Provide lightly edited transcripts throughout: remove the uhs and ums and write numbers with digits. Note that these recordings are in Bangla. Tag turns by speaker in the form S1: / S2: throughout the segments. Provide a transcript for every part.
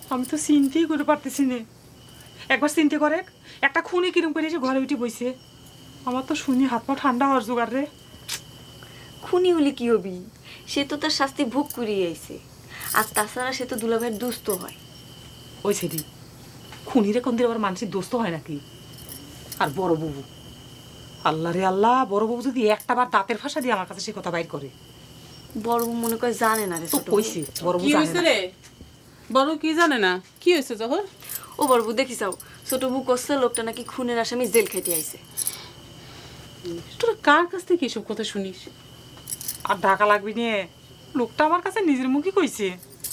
S1: আমি তো চিন্তাই করে পারতেছি না। একবার চিন্তা করে একটা খুনি কিরম করে এসে ঘরে উঠে বইছে। আমার তো শুনি হাত পা ঠান্ডা হওয়ার জোগাড় রে।
S2: খুনি হলে কি হবি? সে তো তার শাস্তি ভোগ করিয়ে আইছে। আর তাছাড়া সে তো দুলাভাইয়ের দুস্থ হয়।
S1: ওই সেটি খুনিরে কোন দিন আবার মানুষের দোস্ত হয় নাকি? আর বড় বাবু, আল্লাহ রে আল্লাহ, বড় বাবু যদি একটা বার দাঁতের ভাষা দিয়ে আমার কাছে সে কথা বাইর করে।
S2: বড় বউ মনে করে জানে না রে
S1: তো
S2: ছোট বউ।
S1: কইছে বড় বাবু
S3: কি
S1: জানে
S3: হয়েছে
S1: না।
S3: রে? বড় কি জানে না? কি হয়েছে জহর?
S2: ও বড় বউ দেখি যাও, ছোট বউ করছে লোকটা নাকি খুনের আসামি জেল খেটে আইছে।
S3: তোরা কার কাছ থেকে এসব কথা শুনিস?
S1: আর ঢাকা লাগবি নিয়ে লোকটা আমার কাছে নিজের মুখে কইছে।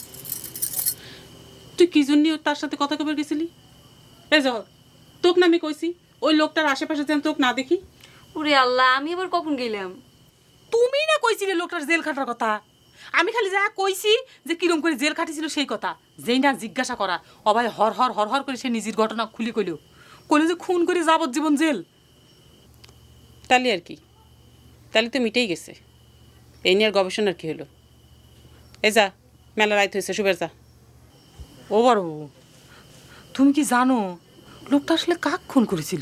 S3: তুই কি জন্য তার সাথে কথা কবে গেছিলি? এ জহর, তোকে না আমি কইছি ওই লোকটার আশেপাশে যেন তোকে না দেখি।
S2: ওরে আল্লাহ, আমি আবার কখন গেলাম?
S1: তুমি না কইছিলে লোকটার জেল খাটার কথা? আমি খালি যা কইছি যে কিরম করে জেল খাটিছিল সেই কথা। যেই না জিজ্ঞাসা করা অবাই হর হর হর হর করে সে নিজের ঘটনা খুলে কইল যে খুন করে যাবজ্জীবন জেল।
S3: তাহলে আর কি? তাহলে তো মিটেই গেছে। এই নিয়ে আর গবেষণার কি হলো? এ যা, মেলা রাইত হয়েছে, শুবের যা।
S1: ও বড় বউ, তুমি কি জানো লোকটা আসলে কাক খুন করেছিল?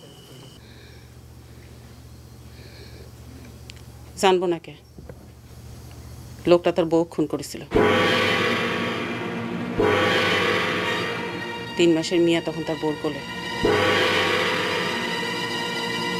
S3: জানবো না কে? লোকটা তার বউ খুন করেছিল। 3 মাসের মিয়া তখন তার বউর কোলে।